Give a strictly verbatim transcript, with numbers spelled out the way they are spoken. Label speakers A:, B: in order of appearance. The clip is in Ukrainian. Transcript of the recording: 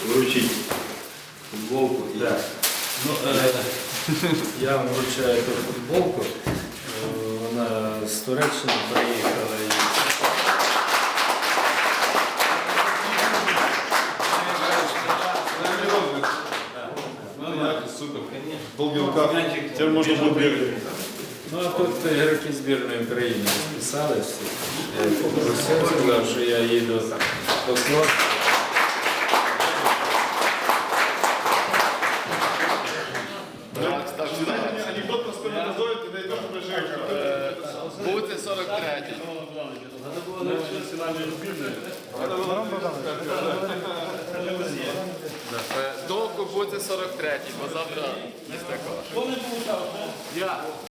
A: вручити футболку. І...
B: Да. Ну, е, я вам вручаю ту футболку. Е, Вона з Туреччини приїхала. І...
A: Супер. Полбілка. Тепер можна буде бігати.
B: Ну, а тут ігроки збірної України розписалися. Я попросив, сказав, що я їду до Клод.
A: Анекдот про сперматозоїд, ти найдеш уже
C: Бути сорок третій. Довго бути сорок третій, бо завтра не такого. Я.